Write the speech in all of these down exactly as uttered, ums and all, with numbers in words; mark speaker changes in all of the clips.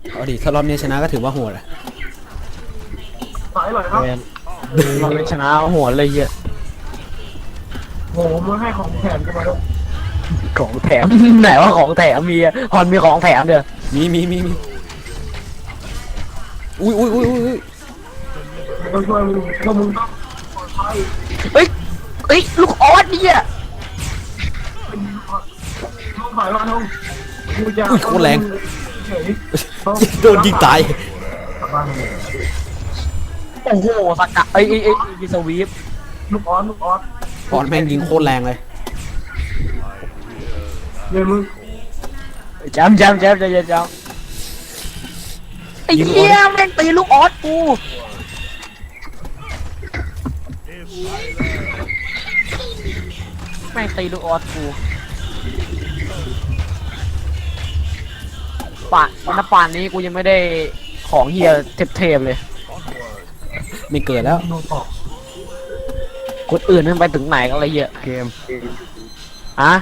Speaker 1: เอาดิถ้ารอบนี้ชนะก็ถือว่าโหดอะ
Speaker 2: สายหน่อยครับ
Speaker 3: เราไม่ชนะหัวเลยเหี้ย
Speaker 2: โหมึงให้ของแถมกันมาด้วย
Speaker 3: ของแถม ไหนว่าของแถมมีอะฮอนมีของแถมเด้อ
Speaker 1: มีมีมีมีอุ้ยอุ้ยอุ้ยอุ้ย
Speaker 2: ต้องช่วยมึงก็มึงต้องปลอดภัย
Speaker 3: เฮ้ยเฮ้ยลูกออสเนี่ย
Speaker 2: ต้องผ่านมาทงกูจะเฉย
Speaker 1: โดนยิงตาย
Speaker 2: กลับบ้านเลย
Speaker 3: โอ้โหสกัดเอ้ยเอ้ยเอ้ยมีสวีป
Speaker 2: ลูกออสลูกออส
Speaker 1: ปอนแม่งยิงโคตรแรงเลย
Speaker 2: เดี๋ยวมึง
Speaker 3: แจมแจมแจมแจมแจมไอ้เหี้ยแม่งตีลูกออสกูแม่งตีลูกออสกูป่านนป่านนี้กูยังไม่ได้ของเฮียเทพๆเลย
Speaker 1: ไม่เกิดแล้ว
Speaker 2: โดนต่อ
Speaker 3: คนอื่นมันไปถึงไหนกันเลยเหี้ยเกมฮะ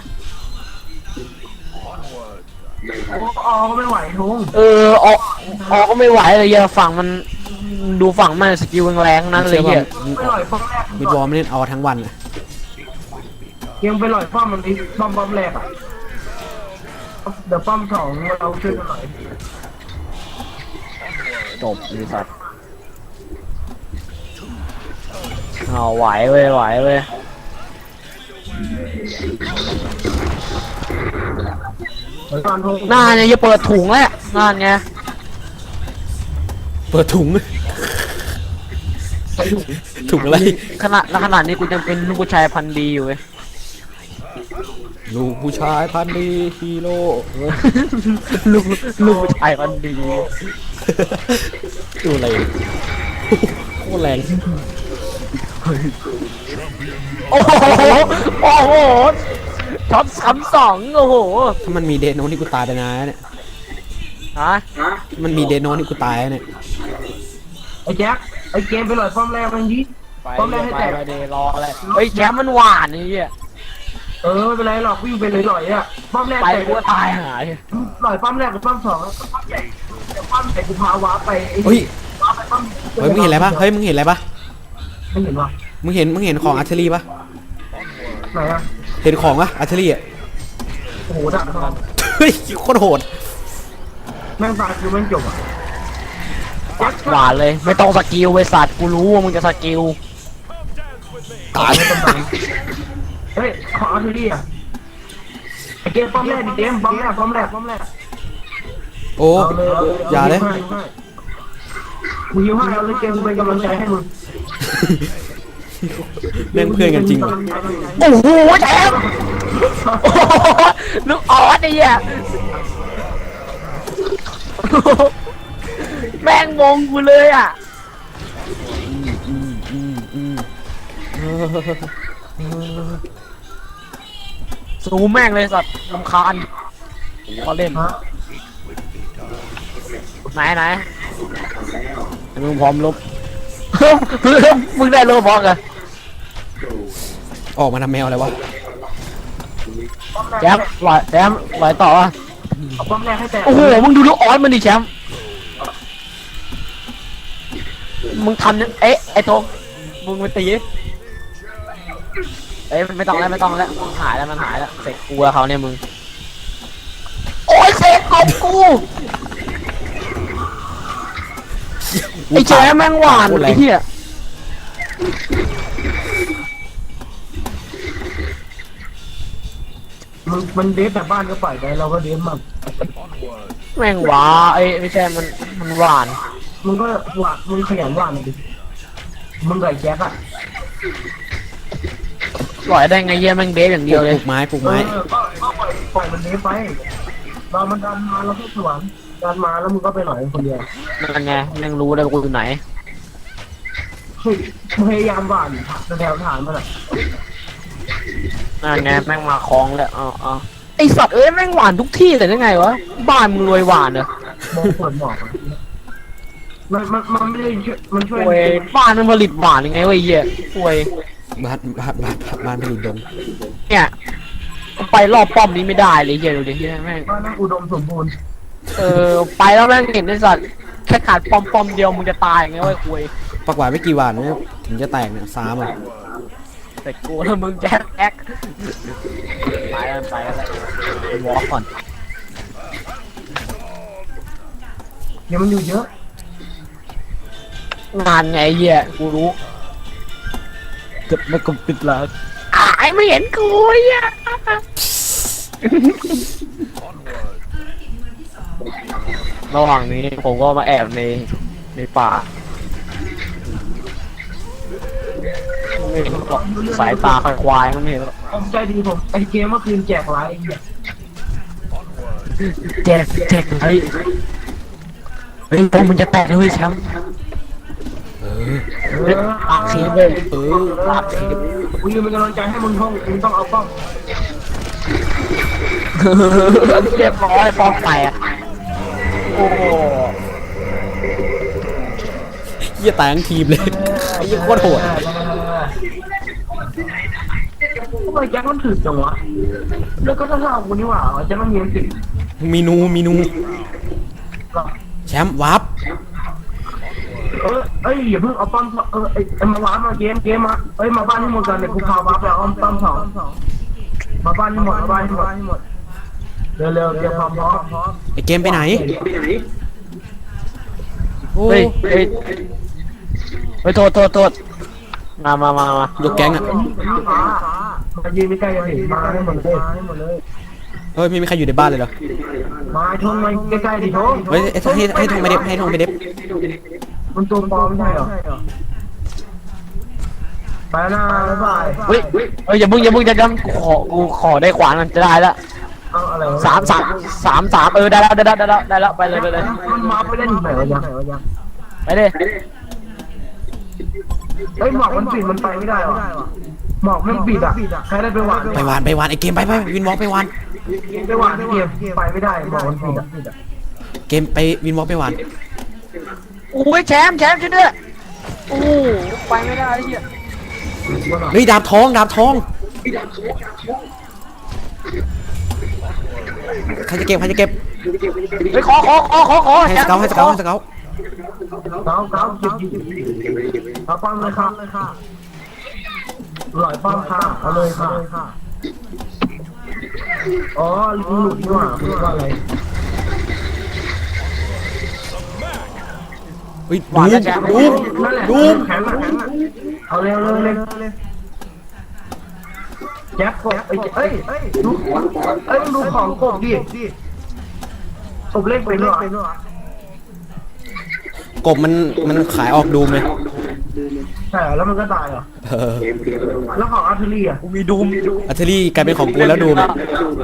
Speaker 2: โอ้ออก็ไม่ไหวทง
Speaker 3: เออออกออกก็ไม่ไหวเลยเหี้ยฝั่งมันดูฝั่งมันสกิลแรงๆนั้นเลยเหี้ย
Speaker 2: ไปหล่อยป้อมแรก
Speaker 1: มิดวอลไม่เล่นเอาทั้งวันอะ
Speaker 2: ยังไปหล่อยป้อมมันอีกป้อมป้อมแรกอ่ะเดี๋ยวป้อมสองเราช่วยกันหน่อย
Speaker 3: จบเลยสัตว์เอาไหวเว้ยไหวเว้ย
Speaker 2: ตอนทง
Speaker 3: หน้าเนี่ยจะเปิดถุงแล้วงานไง
Speaker 1: เปิดถุงถุงอะไร
Speaker 3: ขนาดขนาดนี้กูยังเป็นลูกผู้ชายพันธุ์ดีอยู่เว้ย
Speaker 1: ลูกผู้ชายพันธุ์ดีฮีโร่
Speaker 3: ลูกลูกผู้ชายพันธุ์ดี
Speaker 1: ดูอะไรโคตรแรง
Speaker 3: โอ้โหโอ้โหช็อตซ้ำสองโอ้โห
Speaker 1: ถ้ามันมีเดโนนี่กูตายไปนานแล้วเนี่ย
Speaker 3: ฮะ
Speaker 1: มันมีเดโนนี่กูตายแล้วเนี่ย
Speaker 2: ไอ้แจ็คไอ้เกมไปหล่อยป้อมแรกมันยี่
Speaker 3: ไป
Speaker 2: ป้อมแรกให้
Speaker 3: ไป
Speaker 2: แตก
Speaker 3: ไปเดรออะไรเฮ้ยแชมป์มันหวานนี่เหี้ย
Speaker 2: เออไม่เป็นไรหรอกวิ่งไปเลยหล่อยอ่ะป้อมแรก
Speaker 3: ไป
Speaker 2: แตก
Speaker 3: กูก็ตายหาย
Speaker 2: หล่อยป้อมแรกกับป้อมสองแล้วก็ป้อมใหญ่เดี๋ยวป้อมใหญ่กูพาวาร์ปไปไอ้
Speaker 1: เฮ้ย
Speaker 2: วาร์ปไปป้อม
Speaker 1: เฮ้ยมึงเห็นอะไรปะเฮ้ยมึงเห็นอะไรปะ
Speaker 2: ไม่เห็นว่ะ
Speaker 1: มึงเห็นมึงเห็นของอาร์เทอรี่ปะ
Speaker 2: ไหนอ่ะ
Speaker 1: เห็นของปะอาร์เทอรี่อะ
Speaker 2: โอ้โหดักทอง
Speaker 1: เฮ้ยโคตรโหด
Speaker 2: แม่งตายคือแม่งจบอ่ะ
Speaker 3: หวานเลยไม่ต้องสกิลไว้สัตว์กูรู้ว่ามึงจะสกิล
Speaker 1: ตาย
Speaker 2: ไม่ต้องตายเฮ้ยขออาร์เทอรี่อ่ะไอ้เกมป้อมแรกดิเกมป้อมแรกป้อมแรกป้อมแรก
Speaker 1: โอ้อย่าเลย
Speaker 2: มึงยิ้มให้เอาเลยเกมกูเป็นกำลังใจให้มึง
Speaker 1: แม่งเพื่อนกันจริงวะ
Speaker 3: โอ้โหแชมป์โอ้โหลูกออสไอ้เหี้ยแม่งมงกูเลยอ่ะ
Speaker 1: อืมอืมอืมเออ
Speaker 3: สูแม่งเลยสัตว์ลำคาญพอเล่น
Speaker 2: ฮะ
Speaker 3: ไหนไหนมึงพร้อมลบ มึงได้โลบอกเหรอ
Speaker 1: ออกมาทำแมวอะไรวะ
Speaker 3: แชมป์ลอยแชมป์ลอยต่อวะ
Speaker 2: เอาป้อมแรกให้แตก
Speaker 3: โอ้โหมึงดูลูกออสมันดิแชมป์มึงทำเนี่ยเอ๊ะไอ้โตมึงไปตีดิเอ้ยไม่ต้องแล้วไม่ต้องแล้วมันหายแล้วมันหายแล้วเสกกูกับเขาเนี่ยมึงโอ้ยเสกกบกูไอ้แชมป์แม่งหวาน
Speaker 1: โคตรแร
Speaker 3: ไอ้
Speaker 1: ง
Speaker 3: เหี้ย
Speaker 2: มันมันเดฟแบบบ้านก็ปล่อยไปเราก็เดฟมั่ง
Speaker 3: แม่งหวาไอ้ยไม่ใช่มันมันหวาน
Speaker 2: มึงก็หวานมึงขยันหวานดิมึงไก่แจ็คอะ
Speaker 3: ปล่อยได้ไงเยี่ยแม่งเดฟอย่าง
Speaker 1: ป
Speaker 3: เดียวเล
Speaker 1: ลู
Speaker 3: ย
Speaker 1: กไม้ปลูก
Speaker 2: เอ
Speaker 1: ไม้
Speaker 2: อก็ก็ปล่อยปล่อยมันเดฟไปเรามันดันมาเราก็สวนดันมาแล้วมึงก็ไปหน่อยคนเดียว
Speaker 3: นั่นไงแม่งรู้เลยว่ากูอยู่ไหน
Speaker 2: เฮ้ยพยายามหวานแถวฐานมันอะ
Speaker 3: นั่นไงแม่งมาคล้องแล้วอ๋ออ๋อไอสัตว์เอ้ยแม่งหวานทุกที่แต่ได้ไงวะบ้านมึงรวยหวานเหรอ
Speaker 2: มองเปิดหมอกอะมันมันมันไม่ได้ช่วยมันช่วย
Speaker 3: โวยบ้านมันผลิตหวานยังไงวะไอ้เหี้ยโวย
Speaker 1: บ้านบ้านบ้านบ้านผลิตดง
Speaker 3: เนี่ยไปรอบป้อมนี้ไม่ได้เลยเหี้ยดูดิเหี้ยแม่ง
Speaker 2: บ้านนั่งอุดมสมบูรณ์
Speaker 3: เออไปแล้วแม่งเห็นไอ้สัตว์แค่ขาดปอมปอมๆเดียวมึงจะตายอย่างเงี้ยไว้คุย
Speaker 1: ปักหวานไม่กี่วันนะถึงจะแตกเนี่ยสามอ่ะ
Speaker 3: แต่กูแล้วมึงแจ็คแอ๊กไปแล้วไปแล้ววอล์กก่อน
Speaker 2: เดี๋ยวมันอยู่เยอะ
Speaker 3: งานไงเหี้ยกูรู้เกือบไม่กลมปิดแล้วไอ้ไม่เห็นกูเหี้ยระหว่างนี้ผมก็มาแอบในในป่าไม่เห็นหรอกสายตาควายๆมันไม่เห็นหรอก
Speaker 2: ผมใจดีผมไอเกมเมื่อคืนแจกไลน์
Speaker 3: แจกแจกเฮ้ยเฮ้ยพวกมึงจะแตกเลยแชมป์
Speaker 1: เออ
Speaker 3: เฮ้ยปากเสียเลย
Speaker 1: เออ
Speaker 3: ปากเสีย
Speaker 2: กูยืนเป็นกำลังใจให้มึงท่องมึงต้องเอาป้อง
Speaker 3: เรียบร้อยปอมแตกโอ้โห
Speaker 1: เหี้ยแตกทั้งทีมเลยไอ้เหี้ยโคตรโหด
Speaker 2: ทำไมแจ็คมันถึกจังวะแล้วก็ถ้าทำกูนี่หว่าแจ็คมันมีมันถึก
Speaker 1: มีนูมีนูแชมป์วับ
Speaker 2: เออเอ้ยอย่าเพิ่งเอาป้อมเออไอ้มาว้ามาเกมเกมมาเอ้ยมาบ้านที่หมดกันเนี่ยกูพาว้าไปเอาป้อมสองมาบ้านที่หมดมาบ้านที่หมดเร็วเร็วเตรียมพร้อมพร้อม
Speaker 1: ไอ้เกมไปไหนโอ้
Speaker 3: เฮ้ยเฮ้ยเฮ้ยโทษโทษโทษมามามามา
Speaker 1: ยกแก๊งอ่ะ
Speaker 2: มายืนใกล้ๆกันดิมาให้หมดเลยให้หมดเลย
Speaker 1: เฮ้ยไม่มีใครอยู่ในบ้านเลยเหรอ
Speaker 2: มาทงมาใกล้ๆดิทง
Speaker 1: เฮ้ยให้ให้ให้ทงไปเด็บให้ทงไปเด็บ
Speaker 2: มันตัวปลอมไม่ใช่เหรอไปนะบ๊ายบาย
Speaker 3: เฮ้ยเฮ้ยอย่ามึงอย่ามึงจะจำกูขอกูขอได้ขวานมันจะได้ละ
Speaker 2: เอาอะไร
Speaker 3: สามสามสามสามเออได้แล้วได้แล้วได้แล้วได้แล้วไปเลยไปเลย
Speaker 2: มันมาไปเล่นไหนวะยัง
Speaker 3: ไปเลย
Speaker 2: เฮ้ยหมอกมันปิดมันไปไม่ได้หรอหมอกมันปิดอ่ะใครได้ไปหวาน
Speaker 1: ไปวานไปวานไอ้เกมไปไปวินวอล์กไปวาน
Speaker 2: ไปหวานเกมไปไม่ได้หมอกมันปิดอ่ะ
Speaker 1: เกมไปวินวอล์กไปวาน
Speaker 3: โอ้ยแชมป์แชมป์ช่วยด้วยโอ้ไปไม่ได้ไอ้เหี้ย
Speaker 1: เฮ้ยดาบทองดาบทองใครจะเก็บใครจะเก็บ
Speaker 3: ไปขอขอขอขอขอ
Speaker 1: ให้สเกลให้สเกลให้สเกล
Speaker 2: เก้าเก้าจิบเอาป้อมเลยค่ะหล่อยป้อมค่ะเอาเลยค่ะอ๋อลูกนี่หว่าคือว่าอะไร
Speaker 1: เฮ้ยดูดูดู
Speaker 2: แข็งแข็งเอาเร็วเร็วเร็วแจ็คกบเอ้ยเอ้ยดูเอ้ยดูของกบดิกบเล่นไปด้วย
Speaker 1: กบมันมันขายออกดูมเลย
Speaker 2: ใช่แล้วมันก็ตายเหรอ
Speaker 1: เออ
Speaker 2: แล้วของอาร์เทอรี่อ่ะ
Speaker 3: กูมีดูม
Speaker 1: อัลเทอรี่กลายเป็นของกูแล้วดูมอะ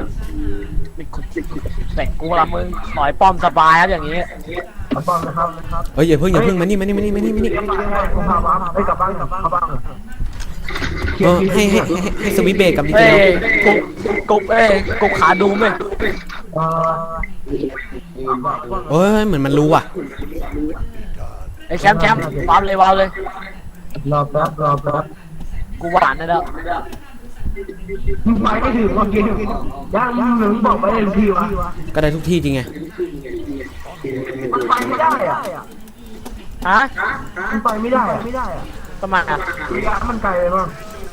Speaker 3: แต่กูละมึงขอยป้อมสบายครับอย่างนี้
Speaker 2: เอาป้อมนะครับนะครับ
Speaker 1: เฮ้ยอย่าเพิ่งอย่าเพิ่งมานี่มานี่มานี่มานี่มานี่
Speaker 2: กลับบ้านผมพาบ้านไปกลับบ้านกลับบ้านกลับบ้าน
Speaker 1: เออให้ให้ให้ให้สวิตช์เบรกกับดีเท
Speaker 3: เอ้
Speaker 1: ล
Speaker 3: ยกูกูเอ้ยกูขาดูมเลย
Speaker 2: เออ
Speaker 1: เฮ้ยเหมือนมันรู้อ่ะ
Speaker 3: ไอ้แชมป์แชมป์วางเลยวางเลย
Speaker 2: รอแป๊บรอแป๊บ
Speaker 3: กูหวานได้แล้ว
Speaker 2: มึงไปไม่ถึงเมื่อกี้ย่างมึงหนึ่งบอกไปเลยทีวะ
Speaker 1: ก็ได้ทุกที่จริงไง
Speaker 2: มันไปไม่ได้อ่ะ
Speaker 3: ฮะ
Speaker 2: มันไปไม่ได้อ่ะไม่ได้อ่ะ
Speaker 3: ประมาณอ่ะ
Speaker 2: ระยะมันไกลเลยมั้ง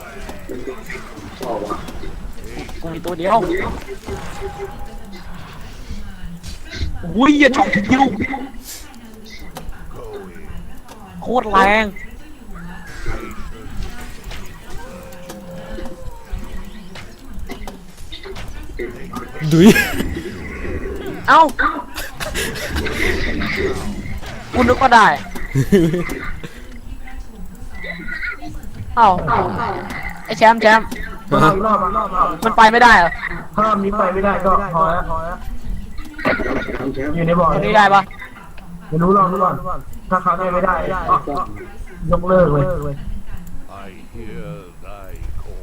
Speaker 3: กูมีตัวเดียวอุ้ยอย่าช็อตคิวโคตรแรง
Speaker 1: ดุย
Speaker 3: เอ้ากูนึกว่าได้ เอ้าไอ้แชมป์แชมป์
Speaker 2: รอบรอบรอบรอบ
Speaker 3: มันไปไม่ได้เหรอ
Speaker 2: ถ้ารอบนี้ไปไม่ได้ก็พอแล้วพอแล้วอยู่ในบ่อ
Speaker 3: ตัวนี้ได้ปะ
Speaker 2: ไม่รู้ลองดูก่อนถ้าเขาได้ไม่ได้ยกเลิกเลย
Speaker 4: I hear thy call.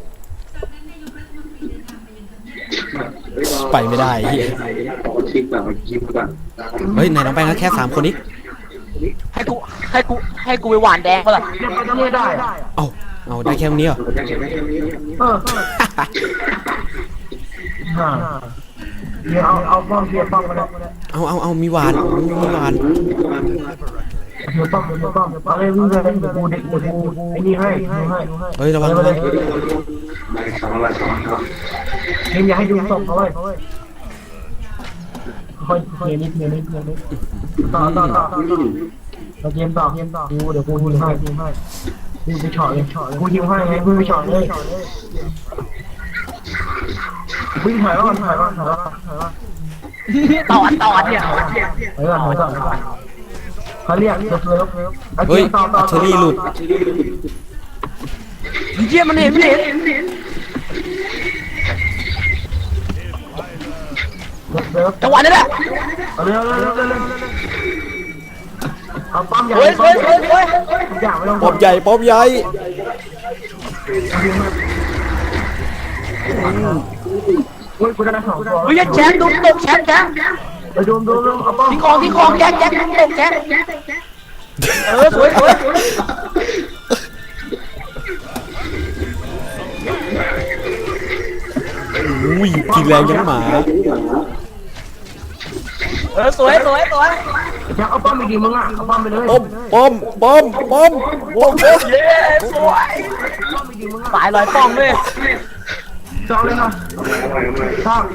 Speaker 1: ไปไม่ได้เฮียเฮ้ยไหนน้องแป้งก็แค่สามคนนี้
Speaker 3: ให้กูให้กูให้กูไปหวานแดงเปะล่า
Speaker 2: ยังไปต้องไม่ได้อะ
Speaker 1: เอ้าเอาได้แค่นี้เหรอ
Speaker 2: เออฮะเดี๋ยวเอาเอาป้อมเสียป้อมมาแล้ว
Speaker 1: โเอาเอาเอามีหวานมีหวาน
Speaker 2: เดี๋ยวป้อมเดี๋ยวป้อมเดี๋ยวป้อมเลยวิ่งเลยเดี๋ยวกูเด็กเดี๋ยวกูไอ้นี่ให้ให้ให้
Speaker 1: เฮ้ยระวัง
Speaker 2: ไป
Speaker 1: ระ
Speaker 2: เล
Speaker 1: วั
Speaker 2: ย
Speaker 1: ง
Speaker 2: เกมอย่าให้ดูศพเขาเลยค่อยเกมนิดเกมนิดเกมนิดต่อต่อต่อต่อเราเกมต่อเกมต่อกูเดี๋ยวกูฮิวให้ฮิวให้ฮิวไปช็อตเลยกูฮิวให้ไงกูไปช็อตเลยวิ่งถอยก่อนถอยก่อนถอยก่อนถอยก่อน
Speaker 3: ต่อต่อเนี่ย
Speaker 2: ถอยก่อนถอยก่อนเขาเรียกเลิฟเลิฟเลิฟ
Speaker 1: เฮ้ยอัลเทอรี่หลุด
Speaker 3: เยี่ยมันเห็นมันเห็น
Speaker 2: เลิฟ
Speaker 3: จังหวะนี้แหละ
Speaker 2: เอาเร็วเร็วเร็วเร็วเอาป้อมใหญ่
Speaker 3: เฮ้ย
Speaker 2: ป้อ
Speaker 3: เฮ้
Speaker 2: ม
Speaker 3: ย
Speaker 2: ใหญ่
Speaker 3: เฮ้ยเฮ้ย
Speaker 2: ทุกอย่างไม่ต้อง
Speaker 1: ป๊อบใหญ่ป๊อบใหญ่
Speaker 2: เฮ้ยกูได้สองตัว
Speaker 3: เฮ้ยแชมป์ดุตกแชมป์แชมป์
Speaker 2: ไปดูดูดูเอาป้อม
Speaker 3: ทิ้งของทิ้งของแจ็คแจ็คดุตกแชมป์เออสวยสวย
Speaker 1: อุ้ยกินแรงยังหมา
Speaker 3: เออสวยสวยสวย
Speaker 2: อยากเอาป้อมไปดิมึงอ่ะเอาป้อมไปเลย
Speaker 1: ป้อมป้อมป้อมป้อมป้อม
Speaker 3: เย้สวยสายลอยป้องด้วย
Speaker 2: จองเลยนะชอบ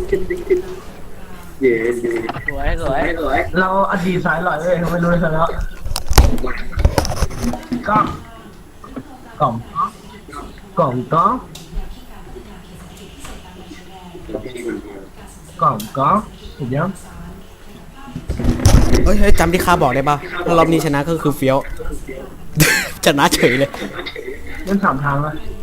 Speaker 3: สวยสวย
Speaker 2: เราอดีตสายหล่อยเลยไม่รู้เลยซะแล้วกล้องกล่องกล่องกล่องกล่องกล่องถูกยัง
Speaker 1: เฮ้ยเฮ้ยจำที่ข้าบอกได้ป่ะถ้ารอบนี้ชนะก็คือเฟี้ยว ชนะเฉยเลย
Speaker 2: เล่นสามทางเลย